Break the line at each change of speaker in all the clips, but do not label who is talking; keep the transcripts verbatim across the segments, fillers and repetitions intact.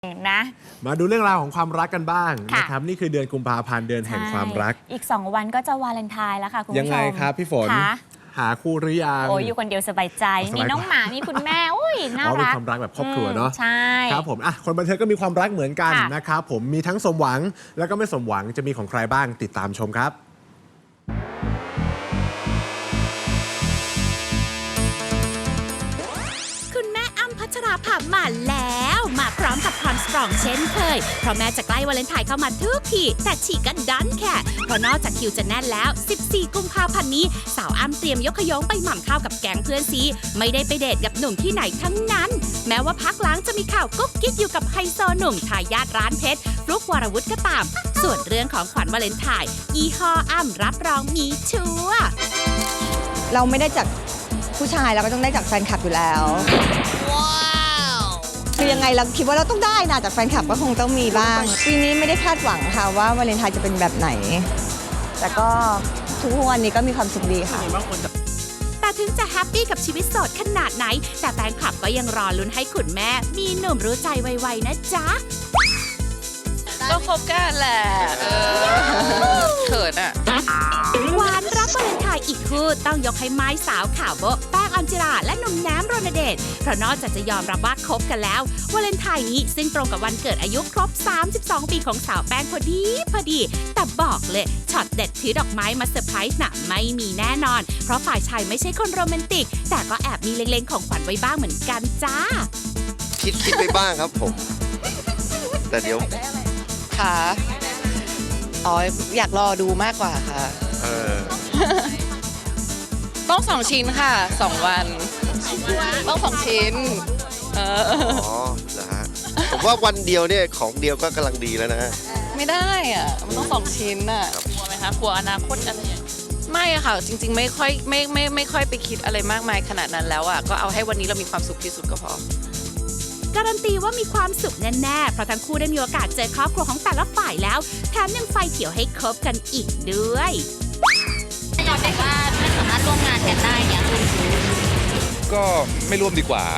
นะ
มาดูเรื่องราวของความรักกันบ้าง
นะ
นะครับนี่คือเดือนกุมภาพันธ์เดือนแห่งความรัก
อีกสองวันก็จะวาเลนไทน์แล้วค่ะคุณผู้ชม
ยังไงครับพี่ฝนหาคู่หรือยัง
โอ้ยอยู่คนเดียวสบายใจมีน้องหมามีคุณแม่อุ้ยน่ารัก
เป็นความรักแบบครอบครัวเนาะ
ใช่
ครับผมอ่ะคนบันเทิงก็มีความรักเหมือนกันนะครับผมมีทั้งสมหวังแล้วก็ไม่สมหวังจะมีของใครบ้างติดตามชมครับ
พัชราภามาแล้วมาพร้อมกับความสตรองเช่นเคยเพราะแม้จะใกล้วาเลนไทน์เข้ามาทุกทีแต่ฉีกกันดันแค่เพราะนอกจากคิวจะแน่นแล้วสิบสี่กุมภาพันธ์นี้สาวอ้ำเตรียมยกขยงไปหม่ำข้าวกับแก๊งเพื่อนซีไม่ได้ไปเดทกับหนุ่มที่ไหนทั้งนั้นแม้ว่าพักหลังจะมีข่าวกุ๊กกิ๊กอยู่กับไฮโซหนุ่มทายาทร้านเพชรฟลุกวรวุฒิก็ตามส่วนเรื่องของขวัญวาเลนไทน์อีฮออ้ำรับรองมีชัวร์
เราไม่ได้จากผู้ชายเราก็ต้องได้จากแฟนคลับอยู่แล้วคือยังไงเราคิดว่าเราต้องได้นะจากแฟนคลับก็คงต้องมีบ้างปีนี้ไม่ได้คาดหวังค่ะว่าวาเลนไทน์จะเป็นแบบไหนแต่ก็ทุกวันนี้ก็มีความสุขดีค่ะ
แต่ถึงจะแฮปปี้กับชีวิตโสดขนาดไหนแต่แฟนคลับก็ยังรอลุ้นให้คุณแม่มีหนุ่มรู้ใจไวๆนะจ๊ะ
ก็คบกันแหละเออเขินอ่ะ
หวานรับวาเลนไทน์อีกคู่ต้องยกให้ไม้สาวข่าวโบ๊ะแป้งออนจิราและหนุ่มแหนมรณเดชเพราะนอกจากจะยอมรับว่าคบกันแล้ววาเลนไทน์นี้ซึ่งตรงกับวันเกิดอายุครบสามสิบสองปีของสาวแป้งพอดีพอดีแต่บอกเลยช็อตเด็ดถือดอกไม้มาเซอร์ไพรส์น่ะไม่มีแน่นอนเพราะฝ่ายชายไม่ใช่คนโรแมนติกแต่ก็แอบมีเล็งๆของขวัญไว้บ้างเหมือนกันจ้า
คิดคิดไปบ้างครับผมแต่เดี๋ยว
ค่ะอ๋ออยากรอดูมากกว่าค่ะ
เออ
ต้องสองชิ้นค่ะสองวันต้องสองชิ้นเออ
อ๋อนะฮะผมว่าวันเดียวเนี่ยของเดียวก็กำลังดีแล้วนะฮะ
ไม่ได้อ่ะมันต้องสองชิ้นอ่ะกลัวไหมคะกลัวอนาคตอะไรอย่างเงี้ยไม่อะค่ะจริงๆไม่ค่อยไม่ไม่ไม่ค่อยไปคิดอะไรมากมายขนาดนั้นแล้วอ่ะก็เอาให้วันนี้เรามีความสุขที่สุดก็พอ
การันตีว่ามีความสุขแน่ๆเพราะทั้งคู่ได้มีโอกาสเจอครอบครัวของแต่ละฝ่ายแล้วแถมยังไฟเขียวให้คบกันอีกด้วย
เราแต่ว่าไม่สามารถร่วมงานกันได้เนี่ย
ก็ไม่ร่วมดีกว่า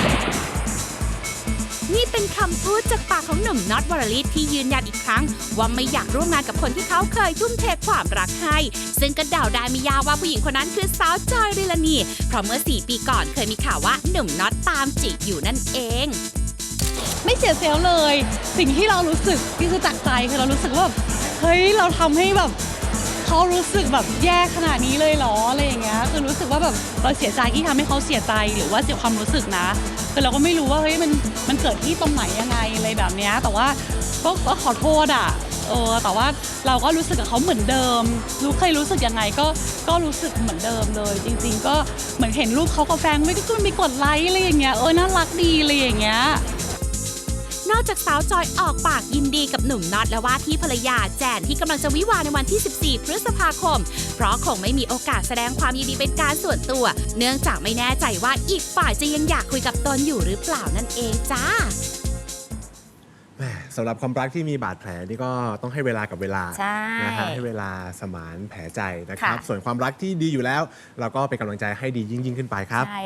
นี่เป็นคำพูดจากปากของหนุ่มน็อตวรลิตที่ยืนยันอีกครั้งว่าไม่อยากร่วมงานกับคนที่เขาเคยทุ่มเทความรักให้ซึ่งก็เดาได้ไม่ยากว่าผู้หญิงคนนั้นคือสาวจอยริลานีเพราะเมื่อสี่ปีก่อนเคยมีข่าวว่าหนุ่มน็อตตามจีบอยู่นั่นเอง
ไม่เสียเซลล์เลยสิ่งที่เรารู้สึกที่คือจากใจคือเรารู้สึกว่าเฮ้ยเราทำให้แบบเขารู้สึกแบบแย่ขนาดนี้เลยเหรออะไรอย่างเงี้ยคือรู้สึกว่าแบบเราเสียใจที่ทำให้เขาเสียใจหรือว่าเสียความรู้สึกนะคือเราก็ไม่รู้ว่าเฮ้ยมันมันเกิดที่ตรงไหนยังไงอะไรแบบเนี้ยแต่ว่าก็ก็ขอโทษอ่ะเออแต่ว่าเราก็รู้สึกกับเขาเหมือนเดิมรู้เคยรู้สึกยังไงก็ก็รู้สึกเหมือนเดิมเลยจริงๆก็เหมือนเห็นรูปเขากับแฟนไม่ก็มีกดไลค์อะไรอย่างเงี้ยเออน่ารักดีอะไรอย่างเงี้ย
นอกจากสาวจอยออกปากยินดีกับหนุ่มน็อตและว่าที่ภรรยาแจนที่กำลังจะวิวาในวันที่สิบสี่พฤษภาคมเพราะคงไม่มีโอกาสแสดงความยินดีเป็นการส่วนตัวเนื่องจากไม่แน่ใจว่าอีกฝ่ายจะยังอยากคุยกับตนอยู่หรือเปล่านั่นเองจ้า
สำหรับความรักที่มีบาดแผลนี่ก็ต้องให้เวลากับเวลานะฮะให้เวลาสมานแผลใจนะครับส่วนความรักที่ดีอยู่แล้วเราก็เป็นกำลังใจให้ดียิ่งๆขึ้นไปครับ